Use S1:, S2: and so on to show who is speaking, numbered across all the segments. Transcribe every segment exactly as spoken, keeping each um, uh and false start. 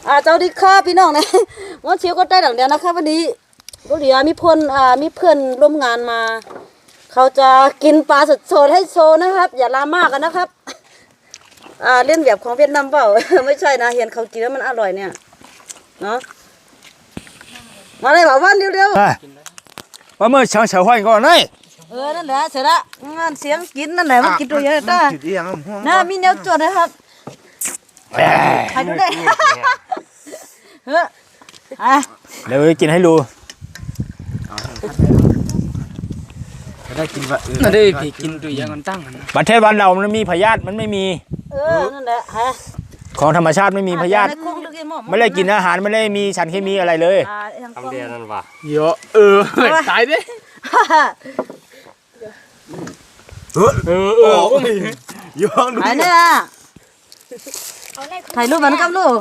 S1: อ่าเจ้าดีค่ะพี่น้องนะวันเชียวก็ได้ดังเดียวนะคะวันนี้ก็เดี๋ยวมีเพื่อนอ่ามีเพื่อนร่วมงานมาเขาจะกินปลาสดๆให้โชว์นะครับ อย่าลามากกันนะครับอ่าเล่นแบบของเวียดนามเปล่า ไม่ใช่นะเห็นเขากินแล้วมันอร่อยเนี่ยเนาะมาเลยบ่าววันเร็วๆ
S2: ว่าเมื่อเช้าเช้าห้อยก่อนเลย
S1: เออนั่นแหละเสร็จละงานเสียงกินนั่นแหละมันกินตัวเยอะจ้าน่ามีแนวจดนะครับใครดูได้เฮ้ยอ่ะ
S2: เดี๋ยวกินให้ดู
S3: ได้กินว่า
S4: นั่นได้พี่กินตัวอย่างมันตั้ง
S2: ประเทศบ้านเรามันมีพยาธิมันไม่มี
S1: เออนั่นแหละฮะ
S2: ของธรรมชาติไม่มีพยาธิไม่ได้กินอาหารไม่ได้มีสารเคมีอะไรเลย
S3: ทำเดียนั่นว่ะ
S4: เยอะเออตายดิ
S3: เออเออเออย้อนดู
S1: ไอ้เนี่ยถ่ายรูปมันกับลูก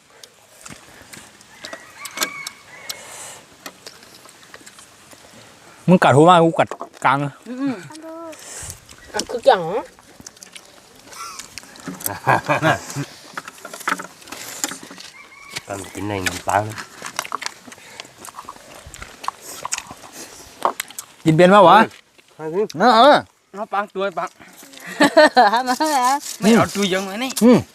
S2: มึงกัดหัวมากกูกัดกลาง
S4: คือจัง
S3: ตอนกินในเงินปัง
S2: กินเป็นป่าวะเออ
S4: เอาปังตัวปัง
S1: มาแล้ว
S4: ไม่เอาตัวยังไงนี่
S2: อืม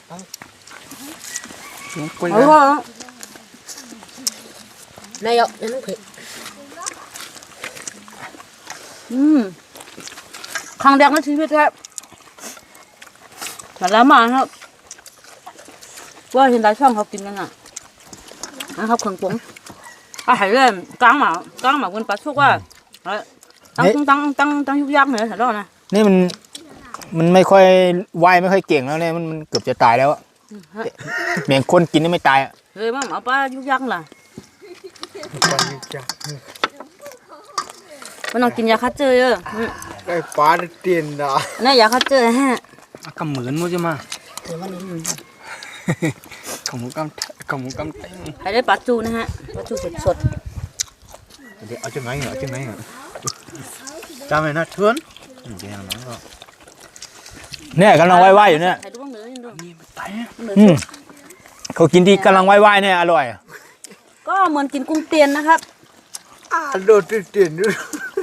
S1: เอาว่ะนายกนั่นคืออืมครั้งแรกในชีวิตครับแต่แล้วมาครับว่าเห็นหลายช่องเขากินกันอ่ะนะครับเครื่องปรุงอาหารเริ่มกลางหมากลางหมาบนปลาชุกว่าตั้งตั้งตั้งตั้งยุกยักษ์เนี่ยเห็นแล้วนะ
S2: นี่มันมันไม่ค่อยว่ายไม่ค่อยเก่งแล้วเนี่ยมันมันเกือบจะตายแล้วอะแมงคนกินนี่ไม่ตายอ่ะ
S1: เฮ้ยมาหมาปลายุกยักษ์ล่ะมันต้องกินยาคัดเจอเยอะ
S3: ไอ้ปลาเตียนด่า
S1: นี่ยาคัดเจอฮะ
S4: กำเหมือนมั้งจะมาขมูกำขมูกำเต็ม
S1: ใครได้ปลาจูนะฮะปลาจูสดสด
S3: เดี๋ยวเอาจังไงเหรอจังไงเหรอจำไว้นะเทือนเดี๋ยวน้องก็
S2: เนี่ยกำลังว่ายๆอยู่เนี่ยเขากินที่กำลังว่ายๆเนี่ยอร่อย
S1: ก็เหมือนกินกุ้งเตียนนะครับ
S3: อ่าโดดเตียนด้วย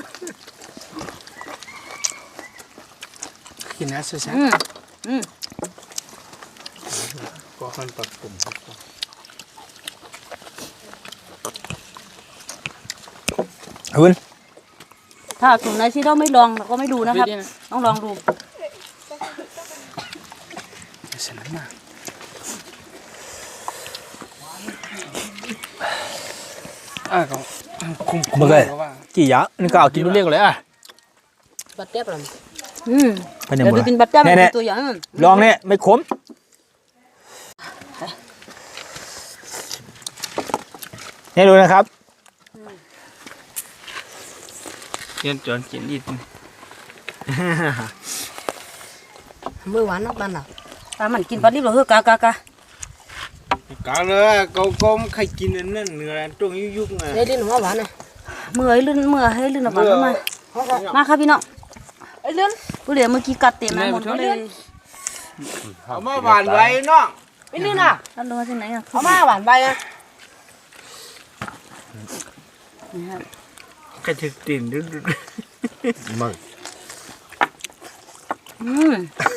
S4: กินนะสุดๆ
S1: อืมอืม
S3: ก็ขั้นปักปุ่ม
S2: คุณ
S1: ถ้าถุงไหนที่เราไม่ลองเราก็ไม่ดูนะครับต้องลองดู
S4: เสร็จแล้วนะอ่ะก็คุ้ม
S2: ๆเลยกี่ยะนี่ก็เอากินเรียกเลยอ่ะ
S1: บัดเจ็บหรออืมเดี๋ยวดูกินบัดเจ็บเป็นตัวอย่าง
S2: ลองเนี่ยไม่ขมนี่ดูนะครับ
S4: เรียนจนกินอีก
S1: เมื่อวานนักบ้านอ่ะตามันกินปลาดิบเหรอเฮ้ยกากากาก
S3: าเลยเขาก็ใครกินนั่นเนื้อตรงยุกๆไง
S1: เฮ้ยลิ้นหัวหวานเลยเมื่อไอ้ลื่นเมื่อให้ลื่นหวานมามาครับพี่น้องไอ้ลื่นกูเดี๋ยวเมื่อกี้กัดเต็มมาหมดเลย
S3: เอามาหวานไว้เนาะ
S1: ไอ้ลื่นอ่ะอันนู้นที่ไหนอ่ะ
S3: เอามาหวานไว้อ่ะกระถึกติ่นดูดูมึง
S1: อืม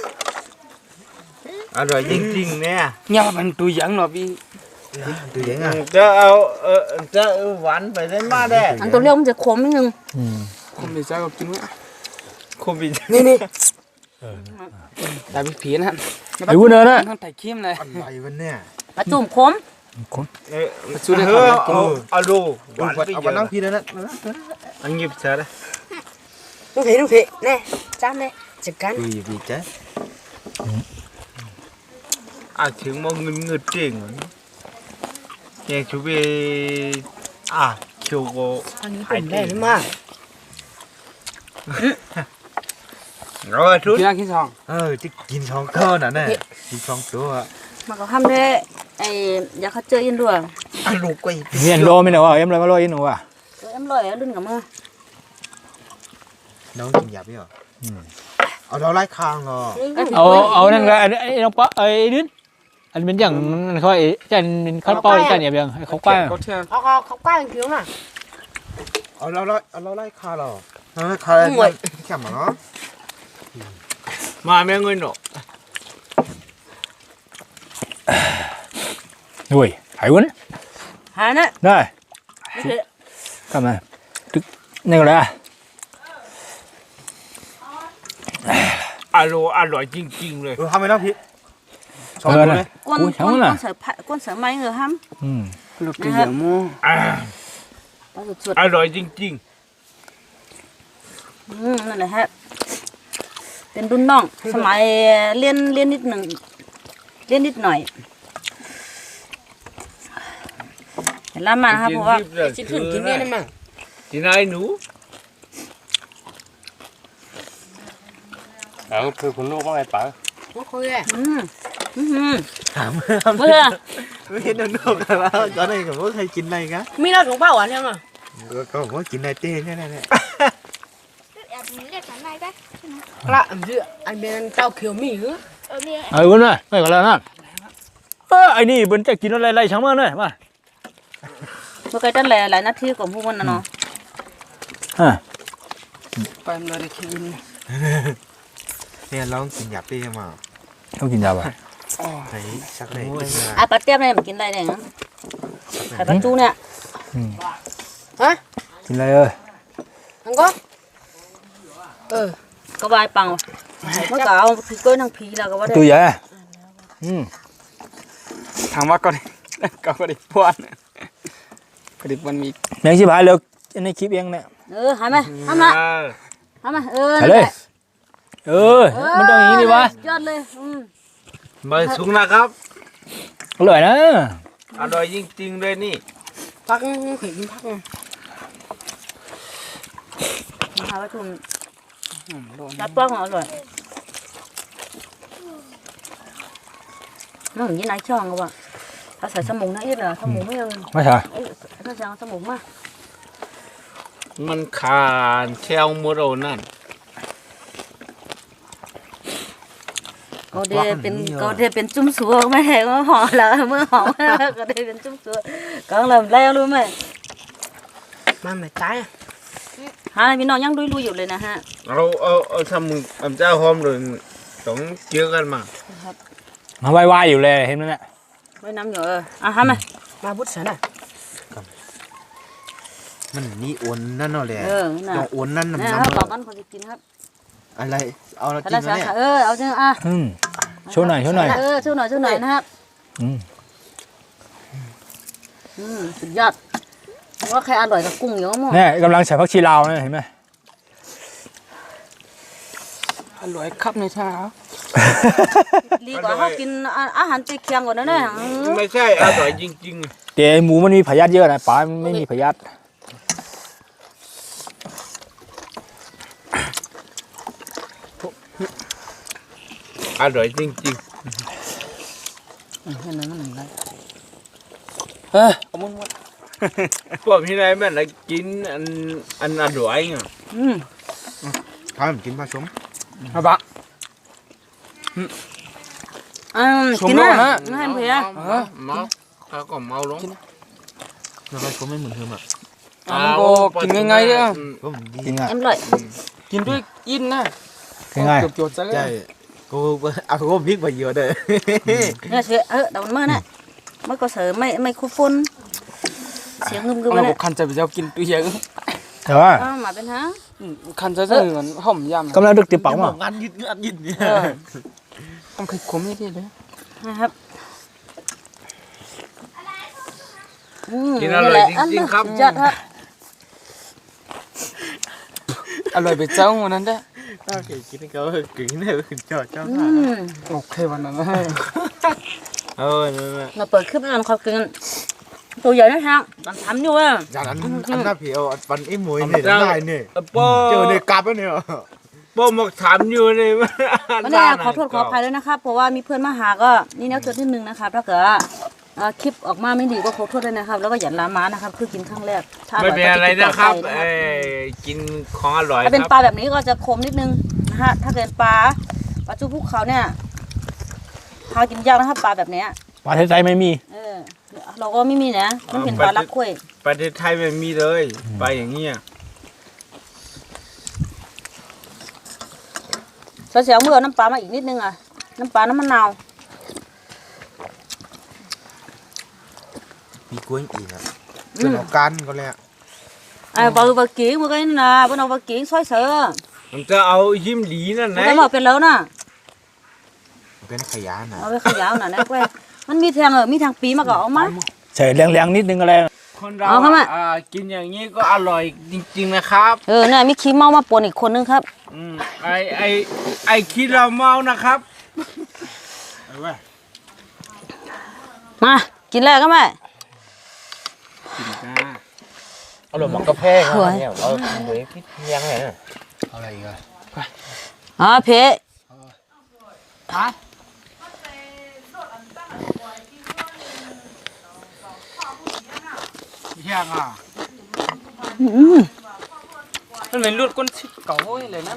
S3: อร่อยจริงๆเนี่ย
S4: เนี่ยมันตัวอย่างหน่อยพี่
S3: ตัวอย่างอ่ะจะเอาเออจะหวานไปได้มากได้
S1: อันตัวเลี้ยวมันจะขมนิดนึง
S4: ขมไปจ้าก็กินว่า
S3: ขมไป
S1: นี่นี่
S4: แต่พี่ผีนะ
S2: ไอ้วุ้นเนอร์นะ
S4: ต้องไต่เข้มเลย
S3: อะไรวะเนี่ย
S1: ปลาจุ่มขม
S2: ขม
S3: เออสุดเลยเอาเอาดูหวานเอาไปนั่งพี่นั่นนะอันนี้พี่เจอเลย
S1: ลูกเห็นลูกเห็นแน่จ้ามแน่จัดการ
S3: พี่พี่เจออ่ะถึงมองเงินเงินเจ๋งเนี่ยชูเบอ่ะเขียวโก
S1: อันนี้เป็นได้หรือไม่
S3: รอชุด
S4: กินกินสอง
S3: เออที่กินสองก้อนน่ะเนี่ยกินสองตัว
S1: มันก็ทำได้ไอ้ยาคัดเจออินด้วย
S3: อ่ะลูกก็
S2: เรียนโลไม่หนูอ่ะเอ็มเลยมาโลอินหนูอ่ะ
S1: เอ็มลอยลื่นกับมือ
S3: น้องกินหยาบไหมอ่ะเอาเราไล่คางเหรอ
S2: เอาเอานั่นก็ไอ้น้องป๊อไอ้ดินอันเป็นอย่างนั้นเขาไอ้จันเป็นข้าวเป้าจันเนี่ยเบียงเขากว้าง
S4: có theo
S1: เขาเขาเขากว้างผิวน่ะ
S3: เอาเราไล่เอาเราไล่คาเราเราไล่คาแข็งเนาะมาแม่เงินเนาะ
S2: ด้วยหายวุ้น
S1: หานะ
S2: ได้ทำไมตึกนี่ก็เลยอ่ะ
S3: อร่อยอร่อยจริงๆเลยเออทำไมล่ะพี่ชอบ
S2: เออ
S3: เล
S2: นะ
S3: ย
S1: ก้น
S2: อุ้ย
S1: ก้
S2: ทั้ง
S1: น
S2: นั้น
S1: ก้
S2: น่ะ
S1: นเสือผ้าก้นเสือไม้เหรอฮัม
S2: อืม
S4: lúc cái giảng mua
S1: ปลาสุด
S3: อร่อยจริง
S1: ๆอืมนั่นแหละฮะเป็นรุ่นน้องสมัยเรียนเรียนนิดหนึ่งเรียนนิดหน่อยเห็นแล้วมานะครับเพราะว่า
S3: ๆกินขึ้นกินเนี่ยนะมั้งกินอะไรหนู
S5: เอาคือคุณลูกว่าไงป๋า
S1: อืมอืม
S3: ถาม
S1: เมื่อ
S3: ไม่เห็นนกๆแล้วก็ได้กับว่าใครกินอะไรกัน
S1: มีเราถุงผ้าหวานยังอ่ะ
S3: ก็บอกว่ากินอะไรเต้เนี่ยเนี่ย
S6: Lạ gì ạ? Anh bên tao kiểu mì nữa.
S2: ไอ้วุ้นน่ะไม่ก็แล้วนะเออไอ้นี่มันจะกินอะไรไรช่างมันเลยมา
S1: เมื่อกี้ตั้งหลายหลายนาทีของพวกมันนะเนาะ
S2: อ่ะ
S4: phải em nói để khi in
S3: เนี่ยลองกินหยาบเต้มา
S2: ต้องกินยาป่ะ
S3: ไหนสักไหน
S1: อ่ะปลาเตี้ยมเนี่ยมันกินอะไรเนี่ยนะไข่ปลาจูเนี่ย
S6: Hả?
S2: กินอะไรเอ้ย
S6: Không có? Ừ.
S1: ก็วายปังเมื่อกี้เอาผีกล้วยนางผีแล้วก็ว่าได้
S2: ตัวใหญ่อ่ะอืม
S4: thằng bác con đi có có đi buồn có đi buồn mì
S2: แมงชิบหายแล้วในคลิปเองเนี่ย
S1: เออหายไหมทำมาทำมาเออ
S2: ใส่เลยเออมันต้องอย่างนี้ดิวะ
S1: ยอดเลยอืม
S3: มาสุกนะครับ
S2: อร่อยนะ
S3: อร่อยจริงๆเลยนี่
S6: Phát khỉ kim phát này.
S1: นะคะว่าทุ่มจับป้องอร่อยน้องยี่นายช่องก็ว่าถ้าใส่สมุนนะเอ็ดเหรอสมุนไม่เอา
S2: ไม่ใช่
S1: เอ้ยถ้าใส่สมุนมา
S3: มันขาดแควมโรนั่น
S1: ก็เดเป็นก็เดเป็นจุ่มสัวไม่ใช่ว่าห่อแล้วเมื่อห่อก็เดเป็นจุ่มสัวก็เริ่มแล้วรู้ไหม
S6: Mà mày trái à?
S1: ฮะพี่น้องยังดุยลุยอยู่เลยนะฮะ
S3: เอาเอาเอาทำมึงทำเจ้าหอมเลยต้องเจอกันมา
S2: มาไหว้ๆอยู่เลยเห็นไหมเนี่ย
S1: ไว้น้ำอยู่เอออ่ะฮะมา
S6: Mà bút sẵn à?
S3: มันนี่อ้วนนั่นเนาะแหละ
S1: เออน่ะ
S3: ต้องอ้วนนั่น
S1: เนี่ย
S3: น้ำ
S1: ครับ
S3: น้ำ
S1: บอกกันคนจะกินครับ
S3: อะไรเอาละ
S1: ถ้า
S3: กิน
S1: ได้
S3: แล้ว
S1: สา
S3: เนี่ย
S1: ขาเออเอาเถอะอ่ะ
S2: อืมโชว์หน่อยโชว์หน่อย
S1: เออช่วยหน่อยช่วยหน่อยนะครับ
S2: อืม
S1: อืมสุดยอดว่าใครอร่อยกับกุ้งเยอะมั้ง
S2: เนี่ยกำลังใส่ผักชีลาวเนี่ยเห็นไหม
S4: lưỡi khắp này sao
S1: ดีกว่าเขากินอาหารตีเคียงกว่านั้นนะ
S3: ไม่ใช่อร่อยจริง
S2: แต่หมูมันมีพยาธิเยอะนะปลามันไม่มีพยาธิ
S3: ๆอร่อยจริง
S1: เห็นไหมมันอะไร
S4: ê ông muốn muốn
S3: ๆพวกพี่นายแม่นละกินอันอันอร่อยไง
S1: อืม
S3: ทำกินผสม
S4: hả bạn
S1: อืม
S4: ชม
S1: กิน
S4: โล
S1: นะ
S4: กนะ
S1: ไม่ให้เพีย
S3: เมาถ้าก็เมาลงแล้วผสมไม่เหมือนเดิมอ่ะ
S4: ăn cô kín ngay ngay đấy
S3: ก็ดี
S2: กินง่าย
S1: เอ็มร่อย
S4: kín đuôi in nè
S2: กินง่าย
S4: chuột chuột ra
S3: ใช่
S4: đấy
S3: กูเอากูพริกไปเยอะเลย
S1: เนี่ยเสียเออแต่มันเมื่อน่ะเมื่อก็เสือไม่ไม่คู่ฟุ้นเสียงงึมกึม
S4: ông
S1: เล
S4: là
S1: ย
S4: một khăn chạy vào kín đuôi giấy
S2: แต่ว่า
S1: อ้าวมาเป็นฮะ
S4: khăn chạy ra rồi hỏng yam
S2: กำลังดึกติดปังว่ะ
S3: งานยิดงานยิดเนี่ย
S4: ông khịch cúm như thế đấy
S1: นะครับอืม
S3: กินอร่อยจริงๆครับ
S1: สุดยอดครับ
S4: à lời bị trâu mà nên đấy
S3: โอเคกินเขากินเนี่ยจอดเจ้า
S1: อืม
S4: ok bạn này
S3: เออนั่นแหละ
S1: เราเปิดคลิปให้มันเขากินตัวใหญ่นะฮะตอนทำอยู่อ่ะ
S3: อย่างนั้นอันนั้นพี่เอาปันไอ้มวยเนี่ยได้เนี่ย
S7: ป้อ
S3: เจอในกลับแล้วเนี่ย
S7: ป้อมาถามอยู่เลย
S1: วันนี้ขอโทษขออภัยด้วยนะครับเพราะว่ามีเพื่อนมาหาก็นี่แนวเกิดนิดนึงนะครับถ้าเกิดว่าเอ่อคลิปออกมาไม่ดีก็ขอโทษด้วยนะครับ แล้วก็อย่าลามานะครับคือกินครั้งแรกถ้า
S7: ไม่เป็นอะไร
S1: ก็จ
S7: นะครับ
S1: กิต่อ
S7: เอ
S1: ไป
S7: อกินของอร่อย
S1: ถ้าเป็น
S7: ครับ
S1: ปลาแบบนี้ก็จะคมนิดนึงนะฮะถ้าเกิดปลาปลาจูภูเขาเนี่ยหากินยากนะครับปลาแบบเนี้ย
S2: ประเทศไทยไม่มี
S1: เออเราก็ไม่มีนะมันเป็นปลาลักคุ้ย
S3: ประเทศไทยไม่มีเลยไปอย่างเงี้ย
S1: เสียวๆเมื่อเอาน้ำปลามาอีกนิดนึงอ่ะน้ำปลาน้ำมะนาว
S3: มีกล้วยอีกอ่ะเป็นเอากันก็แล้ว
S1: ไอ้บะบะกิ้งมื่อกี้น่ะบนเอาบะกิ้งซอยเสือ
S3: มันจะเอายิ้มหลีนั่น
S1: มัน
S3: นะ
S1: ก็บอกเป็นแล้วน่ะ
S3: เป็นขยะนะ
S1: เอาไปขยาวน่ะนะกล้วยมันมีแทงเออมีทางปีมาก็เอามา
S2: ใส่แรงๆนิดนึงอะไร
S3: คนเรา
S1: เอาเข้ามา
S3: อ่ากินอย่างนี้ก็อร่อยจริงๆนะครับ
S1: เออเนี่ยมีขี้เมามาปนอีกคนนึงครับ
S3: อืมไอไอไอคิดเราเมานะครับ
S1: มากินแล้วก็แม่
S2: เอาหลบหมอกกาแฟครับเนี่ยเอาเหมือนพริกเลี้ยงไงเนี่ยเอาอะไรอีกอ่ะ
S1: อ๋อเพะ
S3: เฮียงอ่ะ
S4: มันเป็นรูดก้นชิดเก่าโว้ยเลยนั่น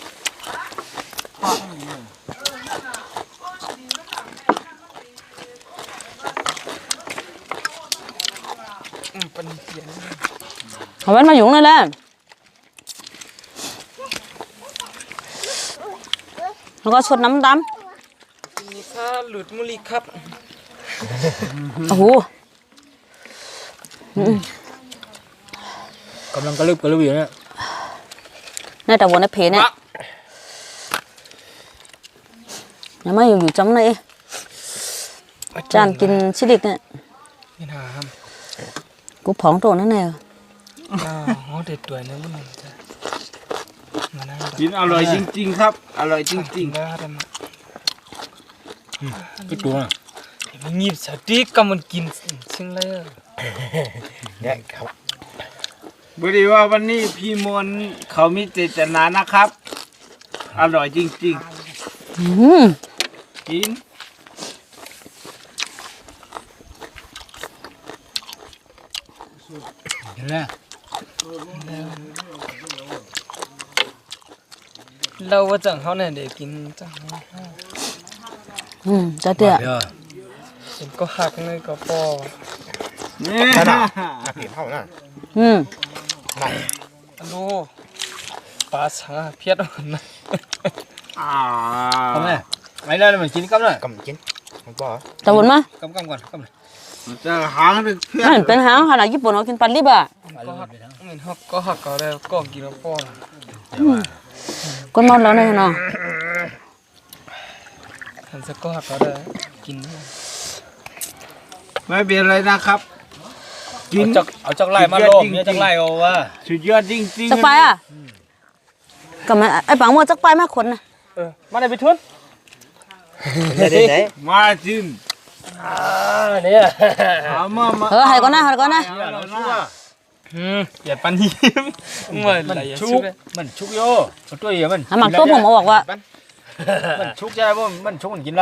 S4: อืมเป็นเสียง
S1: เอาไว้มาอยู่นั่นแหละแล้วก็ชดน้ำด
S4: มีค่าหลุดมุลีครับ
S1: ำโอ้โห
S2: กำลังกระลึบกระลึบอยู่เนี่ย
S1: ในแต่วันในเพเนี่ยยังไม่อยู่อยู่จำไหนจานกินชิลิกเนี่ย
S4: นี่นาครับ
S1: กูผองตัวนั่นแน่
S4: อ้าวโหเด็ดตัวเนี่ยมันจะมานั่ง
S3: กินอร่อยจริงๆครับ อร่อยจริง
S4: ๆนะท่าน
S2: พี่ตัว
S4: มันหยิบสติ๊กก็มันกินซึ่งเลย
S2: เนี่ยครับ
S3: ๆบริว่าวันนี้พี่มนต์เขามีเจตนานะครับ อร่อยจริง
S1: อืม
S3: ๆ กิน
S2: เห็นแล้ว
S4: เราว่าจังเขาเนี่ยเด็กกินจัง
S1: อืมจะเตี้ย
S2: เดี๋ยว
S4: เห็นก็หักเลยก็ปอ
S3: นี่
S2: เห็นเท่านั้น
S1: อืม
S4: อันดูปลาสังเพียดอ่อนนะ
S3: อ่า
S2: ทำไมไม่ได้เลยมันกินกับเลยกำกินมันบ่
S1: ตะวันมา
S2: กำกำก่อนกำเลย
S3: มันจะหางหรือเพื่อน
S1: นั่นเป็นหางขนาดญี่ปุ่นเขากินปลาลิบอ่ะ
S4: ก็หักเห็นหักก็หักก็ได้ก็กินแล้วปอ
S1: ก้นนอนแล้วเนี่ยเนาะ
S4: เห็นสักก็หักก็ได้กิน
S3: ไม่เป็นไรนะครับ กิน
S2: เอาจักเอาจักไล่มาลมเนี่ยจักไล่เอาว่า
S3: สุดยอดจริงๆ
S1: จักไปอ่ะก็มันไอ้ปังมัวจักไปมากคนนะ
S4: เออมาได้ไปทุน
S2: ได้ไหน
S3: มาจิน
S2: อ่าเนี่ย
S3: เอามามา
S1: เออให้ก่อนนะให้ก่อนนะ
S3: เอาละนะ
S4: อืมอย่าปันยิ้มเหมือน
S2: มัน
S4: อะไร
S2: ชุ
S4: ชุ
S2: ก
S4: ก
S2: มันชุกโยมันตัวเหี้ยมัน
S1: หาหมักต้มผมมาบอกว่า
S2: มันชุกใช่ป่ะมันชุกมันกินได้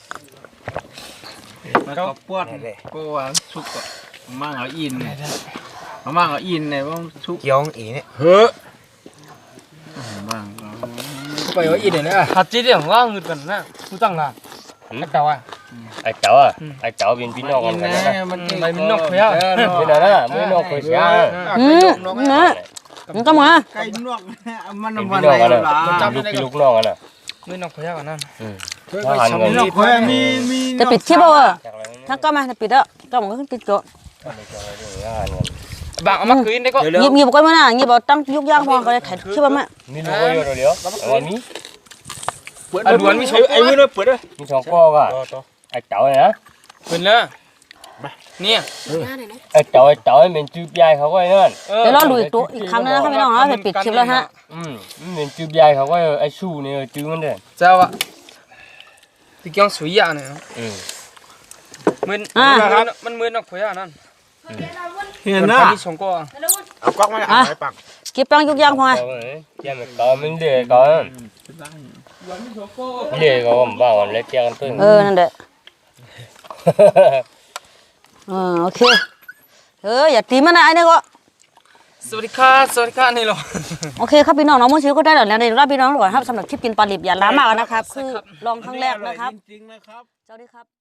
S3: มันก็ปวดปวดสุกอ่ะมั่งเอาอินเนี่ยเอามั่งเอาอินเนี่ยว่าสุก
S2: เกี่ยวอีเนี่ย
S3: เฮ้อมั่งเอา
S2: ไปเอาอีเดี๋ยวนี้อ่ะ
S4: หัดจีเดียวว่าเงินกันนะผู้ตั้งล่ะนักเต่าอ่ะ
S5: ไอ้เจ้าอ่ะไอ้เจ้าเป็นพี่น้อง
S3: อิ
S5: กัน น
S3: นะ
S5: นะ
S3: มัน
S4: ไปมีนกเพี้ย
S5: ไม่ได้นะไม่น้องเคยเสีย
S1: อืมนะมันก็มา
S3: ไก่นวกมัน
S5: เป็น
S3: มัน
S5: พี่
S3: อะ
S5: น้อง
S3: ไร
S5: กัน
S3: ล่ะ
S5: นะลูกพี่ลูกน้องกันนะ
S4: มีนกเพี้ยกันนั่น
S5: ทหารเงิ
S3: มี
S5: น
S3: นกแควมีมี
S1: จะปิดคลิปเอาอ่ะ
S5: จากอะไรนี่
S1: ถ้าก็มาจะปิดแล้วก็มันก็ปิดก่อน
S5: ทหารเงิน
S4: บางเอามาคืนได้ก็
S1: หยิบหยิบก่อนมาหน้าหยิบเอาตั้งยุกย่างพอก็เลยถ่ายคลิปมา
S5: มีลูกก็อยู่เดียววันนี้
S4: ไอ้ดวนมีชกไอ้มือเลยเปิดเลย
S5: มีสองพ่อก็ไอ้เจ้าเนี่ยนะ
S4: เปิดเลยเนี่ย
S5: ไอ้เจ้าไอ้เจ้าเป็นจืบยายเขาก็ไอ้นั่น
S1: เดี๋ยวเราดูอีกตัวอีกครั้งนึงนะครับพี่น้องนะจะปิดคลิปแล้วฮะ
S5: อืมเป็นจืบยายเขาก็ไอ้ชูเนี่ยจืบมันเด้อ
S4: เจ้าอ่ะที่ก้องสวยอ่ะเนี่ย
S5: อืม
S4: มือมันมือนกเพี้ยนั่น
S3: เห็น
S4: มัน
S3: นะ
S4: มีสองก็
S3: เอาก๊อกมา
S1: อ่ะคลิปตั้งยุกย่างพอ
S5: เอาเลยยังไม่ก่อนมันเดือดก่อนเดือดก่อนบ้างเล็กแก่กันตึ้ง
S1: เออนั่นแหละอ่าโอเคเอออย่าตีมันนะไอ้นี่ก็
S4: สวัสดีค่ะสวัสดีค่ะนี่หรอ
S1: โอเคครับพี่น้องน้องมุ้งชิวก็ได้แล้วนะเดี๋ยวรับพี่น้องก่อนครับสำหรับคลิปกินปลาลิบอย่าล้ามากนะครับคือลองครั้งแรกนะครับ
S3: จริงๆนะครับ
S1: สวัสดีครับ